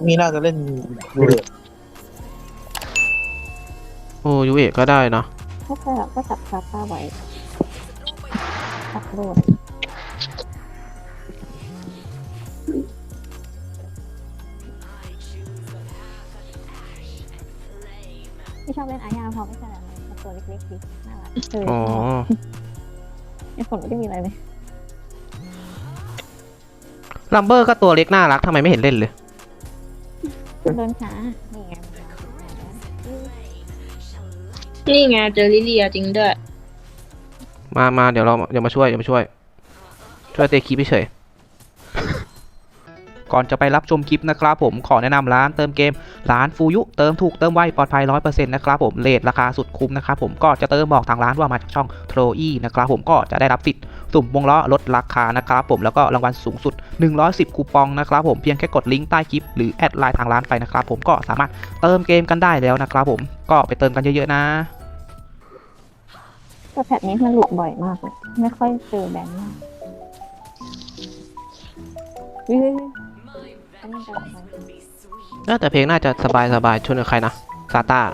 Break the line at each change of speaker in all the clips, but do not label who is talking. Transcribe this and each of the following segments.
นี่น่าจะเล่นดูเลย
โอ้ยูเอะก็ได้นะ
ก็ใช่ก็จับคาป้าไว้ตัดโดดไม่ชอบเล่นอาญาเพราะไม่ใช่อะไรมันตัวเล็กๆดีน่ารัก
อ๋อ
ไอ้ฝนไม่ได้มีอะไรเลย
ลัมเบอร์ก็ตัวเล็กน่ารักทำไมไม่เห็นเล่นเลย
โดนขานี่ไง
นี่ไงเจอลิเลียจริงด้วย
มาเดี๋ยวมาช่วยช่วยเตะคลิปเฉยก่อนจะไปรับชมคลิปนะครับผมขอแนะนำร้านเติมเกมร้านฟูยุเติมถูกเติมไวปลอดภัย 100% นะครับผมเรทราคาสุดคุ้มนะครับผมก็จะเติมบอกทางร้านว่ามาจากช่องโทรอี้นะครับผมก็จะได้รับสิทธิ์สุ่มวงล้อลดราคานะครับผมแล้วก็รางวัลสูงสุด110คูปองนะครับผมเพียงแค่กดลิงก์ใต้คลิปหรือแอดไลน์ทางร้านไปนะครับผมก็สามารถเติมเกมกันได้แล้วนะครับผมก็ไปเติมกันเยอะๆนะ
แต่แพทนี้มันหลุดบ่อยมากเลยไม่ค่อยเจอแบนมากอันนี้จะไป
แต่เพลงน่าจะสบายชนกับใครนะซาต้า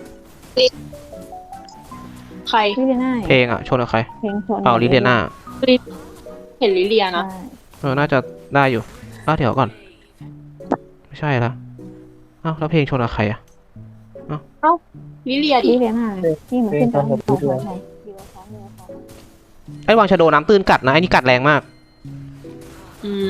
ใคร
ลิเลียน่า
เพลงชนกับใคร
เพลงชน
เอาลิเดียนา
เห็นลิเลียนะ
น่าจะได้อยู่ลาเดี๋ยวก่อนไม่ใช่ละแล้วเพลงชนกับใคร
ลิเลียดิ
ลิเลียน่าที่เหมือนขึ้นตอนของไทย
ไอ้วางชาโดน้ำตื้นกัดนะไอ้นี่กัดแรงมาก
อืม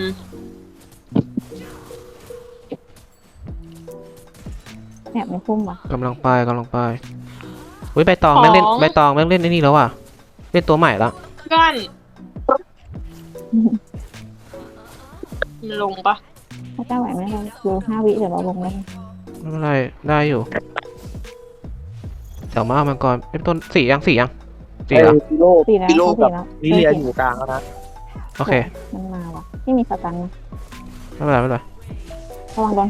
แอบไม่พุ่มว่ะ
กำลังไปเฮ้ยใบตองแม่งเล่นไอ้นี่แล้วอ่ะเล่นตัวใหม่ละ
เพื่อนมันลงปะ
ถ้าเจ้าไหวไหมเราดู5 วิเดี๋ยวเราลงเลย
ไม่เป็นไรได้อยู่เดี๋ยวมาเอามังกรเป็นต้นสี่ยัง
ไอ้พิโล
4 แล้ว
พิโล
เขา
กับ
4แล้ว
ลิเลียอยู่กลางแล้วนะ
โอเค
มันมาว่ะที่มีสตันนะ
ไม่เป็นไร
ระวังโดน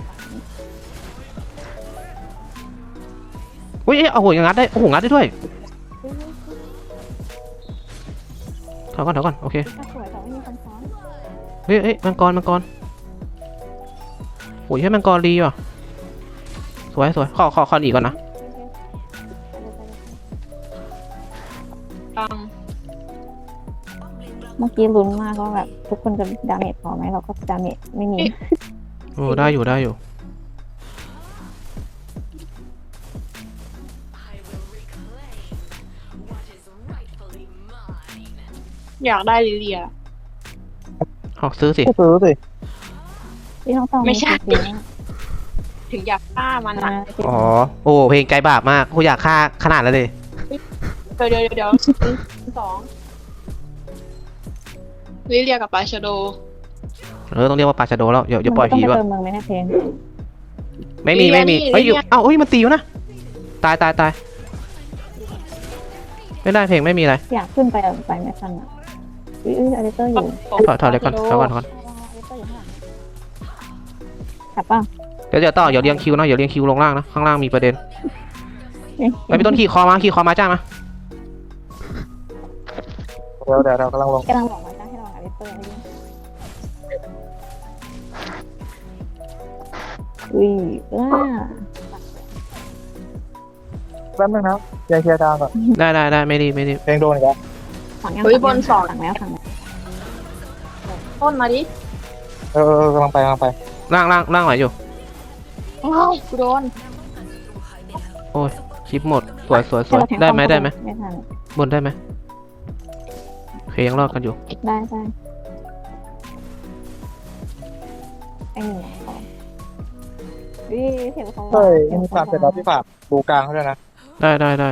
อุ้ยเอาหัวงัดได้งัดได้ด้วยถอยก่อนโอเค
สวยแต่ไม่มีคนซ้อน
เฮ้ยมังกรโอ้ยให้มังกรรีว่ะสวยขออีกก่อนนะ
ตัง
เมื่อกี้ลุ้นมากว่าแบบทุกคนจะดาเมจพอไหมเราก็ดาเมจไม่มี
โอ้ได้อยู่
อยากได้ลิเลีย
ออกซื้อสิ
ก็ซื้อสิ
ที่น้องต้อง
ไม่ใช่
จริง
ถึงอยากฆ่ามัน
ๆ
อ่ะ
อ๋อโอ้เพลงใจบาปมากกูอยากฆ่าขนาดนั้นเลย
เดี๋ยวสองลิเลียกับปาชาโด
ต้องเรียกว่าปาชาโดแล้วอย่าปล่อยผี
มัน
ว่ะ
ต้องไปเติมเมืองไหมเนี่ยเพลง
ไม่มีเฮ้ยอยู่มันตีอยู่นะตายไม่ได้เพลงไม่มีอะไร
อยากขึ้นไปไม่ทันอ่ะอลิเตอร์อยู่
ถอยเลยก่อน
อลิเตอร์อยู่ข้างหลังกลับป่ะ
เดี๋ยวต่ออย่าเรียงคิวนะอย่าเรียงคิวลงล่างนะข้างล่างมีประเด็นไปพี่ต้นขี่คอมาจ้ามา
เดี๋ยวเรากำลังลง
กำลังบอกว่าจะให้เราอลิเตอร์
แป๊บนึงนะเคลียร์ดาวก่อน
ได้ไม่ดี
เพลงโดนอีกแล้ว
ฝั่งแล้ว
ต้นมาดิ
กำลังไป
ล่างไหวอยู่
อ้าวกูโดน
โอ้ยคลิปหมดสวยได้ไหม
ไม่ทัน
บนได้ไหมโอเคยังรอดกันอยู่
ได้ไอ้หนึ่งของเสียงเขา
เฮ้ยมีความเสร็จแล้วพี่ฝากดูกลางเขาด้วยนะ
ได้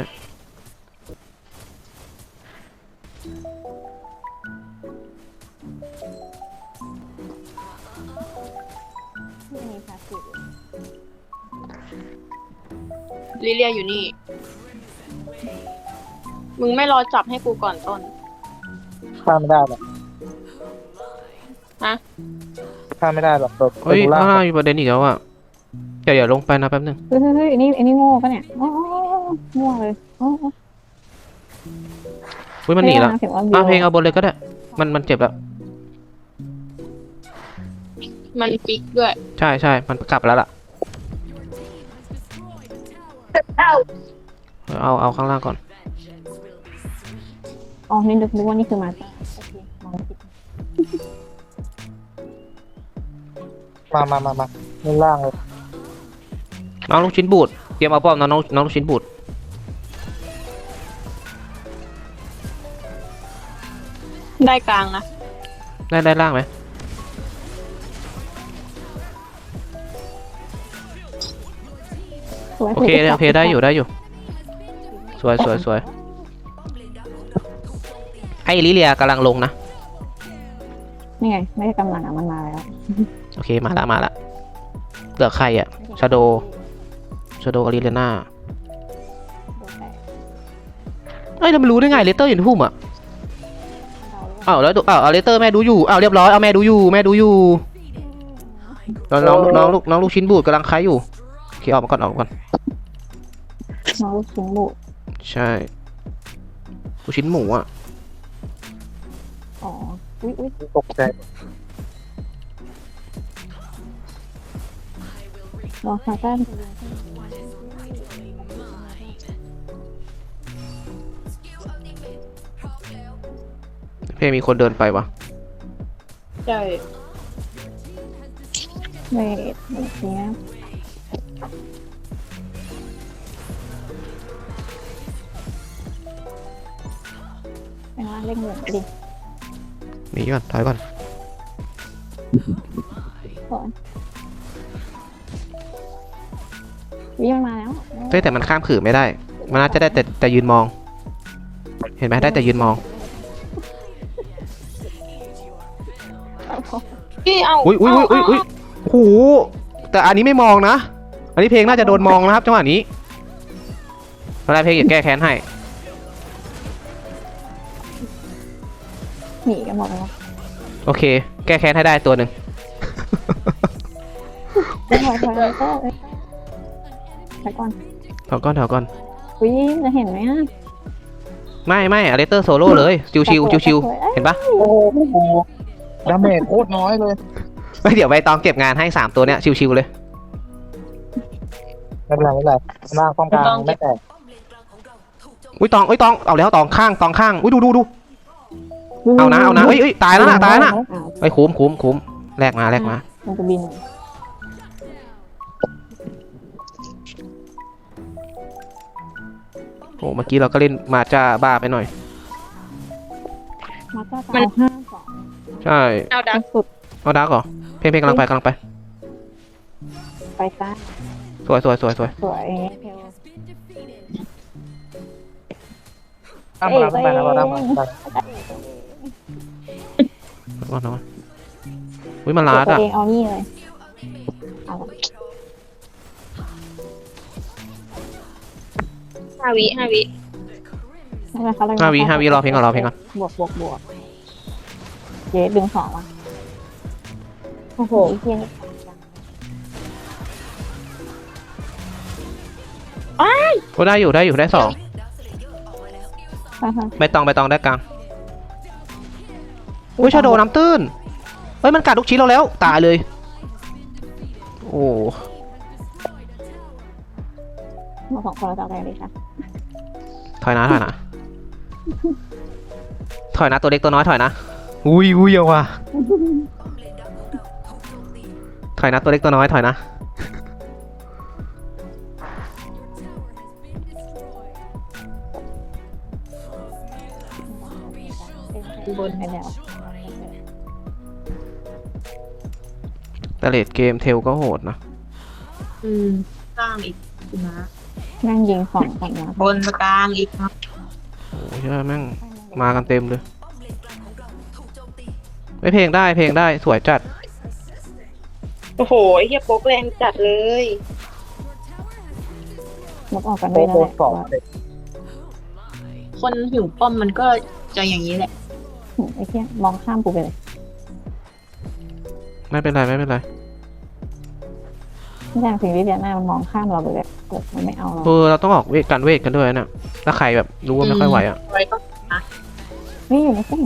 ลิเลียอยู่นี่ มึงไม่รอจับให้กูก่อนต้น
ข้ามไม่ได้หรอก
ฮะ
ข้ามไม่ได้หรอกตัว
เฮ้ย
ล่า
ข้างล่างมีประเด็นอีกแล้วอ่ะเดี๋ยวลงไปนะแป๊บนึง
เฮ้ยอันนี้โง่ปะเนี่ยโง่เลย
มันหนีแล้วเพลงเอาบนเลยก็ได้มันเจ็บแล้ว
มันปิกด้วย
ใช่มันกลับแล้วล่ะเอาข้างล่างก่อน
อ๋อนี่นึกว่านี่คือมาจ้าโอเคมองผิด
มาเล่นล่างเลย
น้องลูกชิ้นบูดเตรียมเอาป้อมน้องลูกชิ้นบูด
ได้กลางนะ
ได้ล่างไหม
สวย
โอเคได้อยู่สวยไอ้ลิเลียกำลังลงนะ
นี่ไงไม่ใช่กำลังมันมาแล้ว
โอเคมาละเหลือใครอะชาโดอารีเลน่าเอ้ยเราไม่รู้ได้ไงเลเตอร์อยู่ในพุ่มอะอ้าวแล้วเอาเลเตอร์แม่ดูอยู่อ้าวเรียบร้อยเอาแม่ดูอยู่น้องลูกชิ้นบูดกำลังคล้ายอยู่โอเคออกมาก่อน
น้องลูกชิ้นบุ
ใช่ลูกชิ้นหมูอะ
อ๋ออุ้ย
ตกใจ
รอซาต้า
เพ่มีคนเดินไปวะ
ใช่
เวทเนี้ยไปว่าเล่นเหมือนดิ
หนีก่อนถอยก่อน
ก่อนวิ่งมาแล้ว
เฮ้ยแต่มันข้ามขื่อไม่ได้มันน่าจะได้แต่ยืนมอง เห็นไหมได้แต่ยืนมอง
พี่เอา
อุ้ยโอ้โหแต่อันนี้ไม่มองนะ อันนี้เพลงน่าจะโดนมองนะครับจังหวะนี้ตอนแรกเพลงอยากแก้แค้นให้
หนีกันหมดแล้ว
โอเค แก้แค้นให้ได้ตัวหนึ่ง
ไปถอยก็ไปก่อน
แถวก่อน
วิ่งจะเห็นไหมอ่ะ
ไม่อเลสเตอร์โซโล่เลยชิวเห็นปะ
โอ้โหดาเมจโคตรน้อยเลย
ไม่เดี๋ยวใบตองเก็บงานให้3ตัวเนี้ยชิวๆเลย
ไม่เป็นไรล่างป้องกลางไม่แตก
อุ้ยตองเอาแล้วตองข้างอุ้ยดูเอานะเอ้ยตายแล้วนะไอ้ยคุ้มแลกมา
มันจะบิน
โอ้เมื่อกี้เราก็เล่นมาจ้าบ้าไปหน่อย
มาจ้าตา5-2
ใช่
เอาดัก
สุด
เอาดักเหรอเพลงกำลังไป
ไปซ้าย
สวย
สวย
ตั้งมาตั้งมาตั้งมา
นอนอุ้ยมันลาด
ตัว
อ่ะ
เองเอานี่เลยเอา
5 วิ
5 วิ
5 วิรอเพลงก่อน
บวกเจ๊ดึง2มาโอ้โหเพี้ยน
ก็ได้อยู่ได้2ใบตองได้กลางอุ้ยชาโดน้ำตื้นเฮ้ยมันกัดลูกชิ้นเราแล้วตายเลยโอ้
มา2คนเราจะเอาอะไรดีคะ
ถอยนะตัวเล็กตัวน้อยถอยนะอุ้ยเอาว่ะถอยนะตัวเล็กตัวน้อยถอยนะ
บนไปแล้ว
แต่เลดเกมเทลก็โหดนะ
กลางอีกนะ
นั่งยิง2กันนะ
บนกลางอีกนะ
โอ้ยแม่งมากันเต็มเลยไม่เพลงได้สวยจัด
โอ้โหไอ้เหี้ยโป๊กแรงจัดเลย
ลบออกกัน
โค
ด้วย
ต
นะ
รสองเด็ก
คนหิวป้อมมันก็จะอย่างนี้แหละ
ไอ้เพี้ยมองข้ามกูไปเลย
ไม่เป็นไร
ไม่ใช่สิ่งที่เดียน่ามันมองข้ามเราไปเลยมันไม่เอาเรา
เราต้องออกเวทกันด้วยนะถ้าใครแบบรู้ว่าไม่ค่อยไหวอ่ะ
ไว้ต้อง
นี่อยู่ในเส้น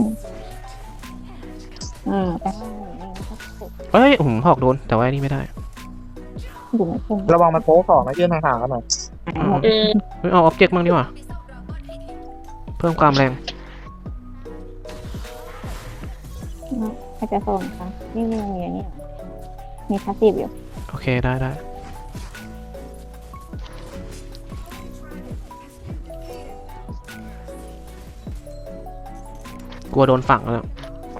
แต่ว่า
เฮ้ยผมหอกโดนแต่ว่านี่ไม่ได้
อยู่ในเส้น
ระวังมันโป๊สองนะยื่นห่างๆกันหน่อย
หายหมด
เฮ้ยเอาออบเจกต์มั่งดีกว่าเพิ่มความแรง
ใครจะโซนคะนี่มีอย่างนี้เหรอมีพาสซีฟอยู่
โอเคได้ได้กลัวโดนฝังแล้ว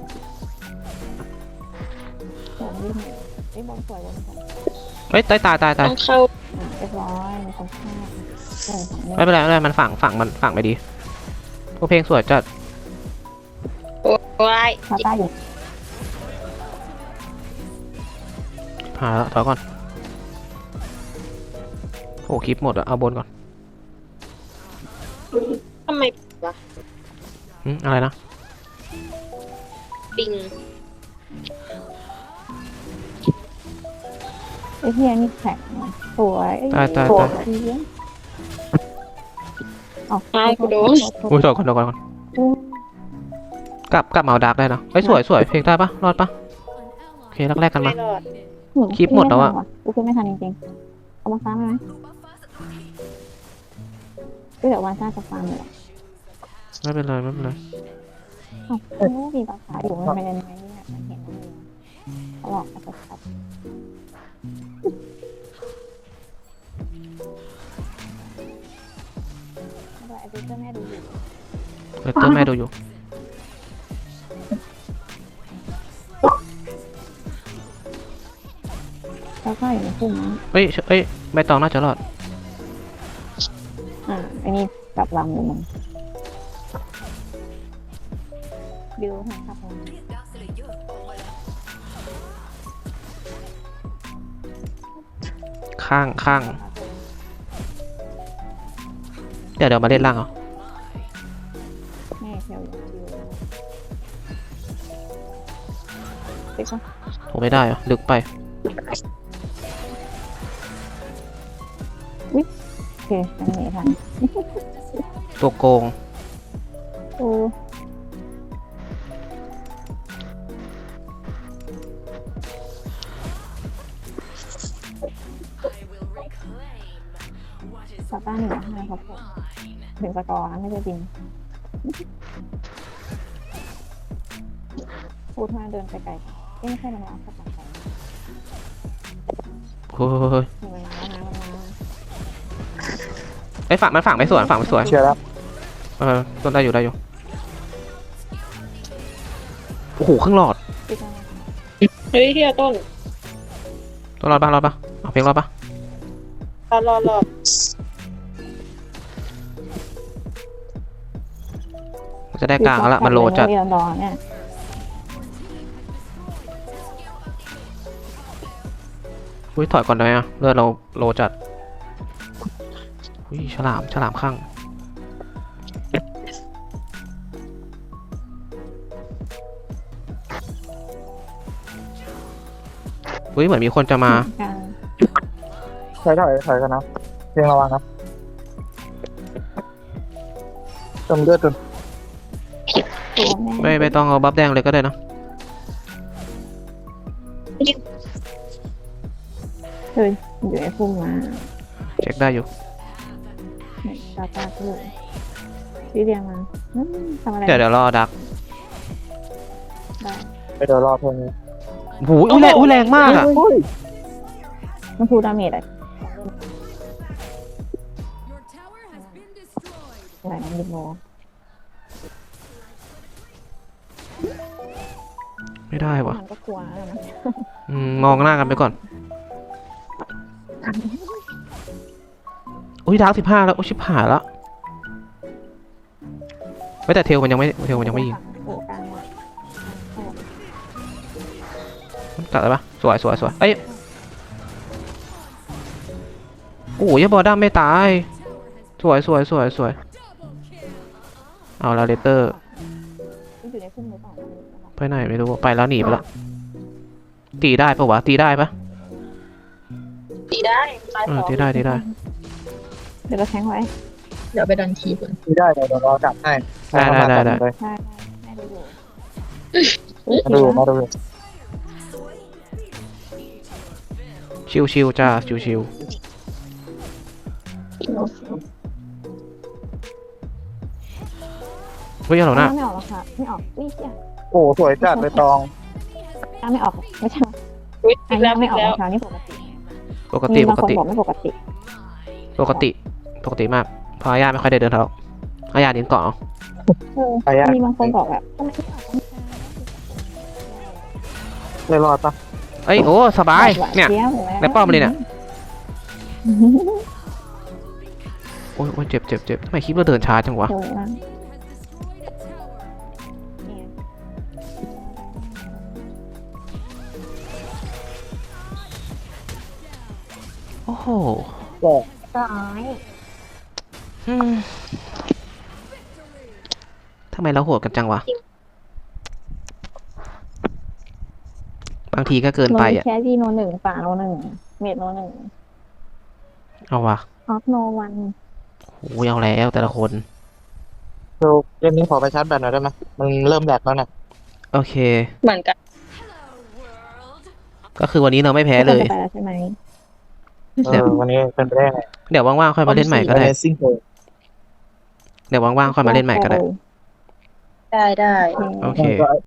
สวนวิ่งไอ้บอลสวยบอลสวย
เฮ้ยตาย
ต้องเข้า
เรียบร้อยมีคนฆ่าของ
ไม่เป็นไรมันฝังไปดีพวกเพลงสวยจัด
โอ้ย
พาต้าอยู่
หาแล้วถอยก่อนโอ้คลิปหมดอะเอาบนก่อน
ทำไมวะ
อะไรนะ
ปิง
ไอ้เฮียนี่แข็งสวยสวยอ๋อ
กูโดน
อุ้ยถอยก่อนกลับมาเอาดาร์กได้นะเฮ้ยสวยเพลงได้ปะรอดปะโอเคแรกกันมา
ไม่รอด
คลิปหมดแล้วอะ
กูขึ้นไม่ทันจริงๆเอามาซ้ำไหมก็เดี๋ยววันซ่าจะฟังเลย
ไม่เป็นไร
อ๋อไม่มีภาษาอยู่มันไม่ได้ไหมเนี่ยมันเห็นมันอยู่เขาบอกเขาจะขับไอ้เจ้าแม่ดูอยู่
เลตเตอร์แม่ดูอยู่
แล้วก็อยู่ในพุ่มนั้น
เอ้ยใบตองน่าจะรอด
ไอ้นี่กลับลำอยู่มันบิวให้ครับผม
ข้างเดี๋ยวมาเล่นล่างเอา
แม่เที่ยวอยู่บิวติ๊กปะ
โอ้ไม่ได้เหรอลึกไป
โอเคอันนี้ทัน
ตัวโกง
โอ้สตาร์หนึ่งให้ครับผมถึงสกอร์นะไม่ใช่บินพูดมาเดินไปไกลไม่ใช่มันล้างสักหน่อย
เฮ้ย
มันล้างนะมันล้าง
ไอ้มันฝังไม่สวย
เชื่อแล้ว
ต้นได้อยู่โอ้โหครึ่งหลอด
ติ๊กมา
เฮ้ยเฮียต้น
ต้นรอดปะเอาเพลงรอดปะ
รอ
จะได้กลางแล้วมันโลจัด
เรียนรอเนี่ย
อุ้ยถอยก่อนได้อะเลือดเราโลจัดอุ้ยฉลามข้างอุ้ยเหมือนมีคนจะมา
ถอยกันนะเพียงระวังนะจมเลือดจน
ไม่ต้องเอาบัฟแดงเลยก็ได้นะ
เฮ้ยอยู่ไอ้พุ่มมา
เช็คได้อยู่
ตาเลยพี่เรียงมาทำอะไร
เดี๋ยวรอดัก
ได้
ไปเดี๋ยวรอเพลงนี้
โอ้ยแรงมากอ่ะ
มันพูดดาเมจอะไรนะยิโม
ไม่ได้วะ
มันก็กลัวแล้วนะ
มองหน้ากันไปก่อนอุ้ยดาร์ก15แล้วโอ้ชิบหายแล้วไม่แต่เทลมันยังไม่ยิง
โอ้กลางว่ะ
ตัดเลยปะสวยเอ้ยโอ้ยบอลด้ามไม่ตายสวยเอาแล้วเลเตอร์
อยู่ในพุ่มหรือเปล่า
ไปไหนไม่รู้ไปแล้วหนีไปแล้วตีได้ปะวะตีได้ปะ
ตีได้ตายสอง
ตีได้
เดี๋ยวเราแทงไว้
เดี๋ยวไปดันคีก่อน
ที่ได้เดี๋ยวรอจับให้
ได้
ได้แม่ดูอยู่
มาดู
ชิวจ้าชิวฮ้ยฮัลโหลนะ
ไม่ออกหรอกค่ะไม่ออกอุ้ยเหี้ย
โอ้สวยจัดเลยตอง
ตาไม่ออกไม่ใช่
อุ๊ย
อั
อี
น
กแล้ว
ไม่
อี
อก อก
แล้ว
เช้านี่ปกติ
ปกติ
มี
ป
บาง
ก
คน
ติ
บอกไม่ปกติ
ปกติ ปกติมากเพราะอาญาไม่ค่อยได้เดินเท้าอาญาเดินเกาะเอา
มีบางคนบอกแบบทำไมไม่ออก
เลยรอดปะ
เอ้ยโอ้สบายเนี่ย ในป้อมเลยเนี่ย โอ้ยโอ้ยเจ็บเจ็บเจ็บทำไมคลิปเราเดินช้าจังวะ
สวยมาก
โอ้โห
ร้อย
อืมทำไมเราโหดกันจังวะ บางทีก็เกินไปอ่ะ
แค่ที่โนหนึ่งป่าโนหนึ่งเมดโนหนึ่ง
เอาวะ
ออฟโนวัน
โอ้ยเอาแล้วแต่ละคน
เดี๋ยวเกมนี้ขอไปชาร์จแบตหน่อยได้ไหมมันเริ่มแหลกแล้วเนี่ย
โอเค
เหมือนกัน
ก็คือวันนี้เราไม่แพ้เลย
ไปแล้วใช่ไหม
วันนี้เป็นไปได้ไง
เดี๋ยวว่างๆค่อยมาเล่นใหม่ก็ได้
ซิ่งโ
เดี๋ยวว่างๆค่อยมาเล่นใหม่ก็ได้
ได้
โอเค
ก็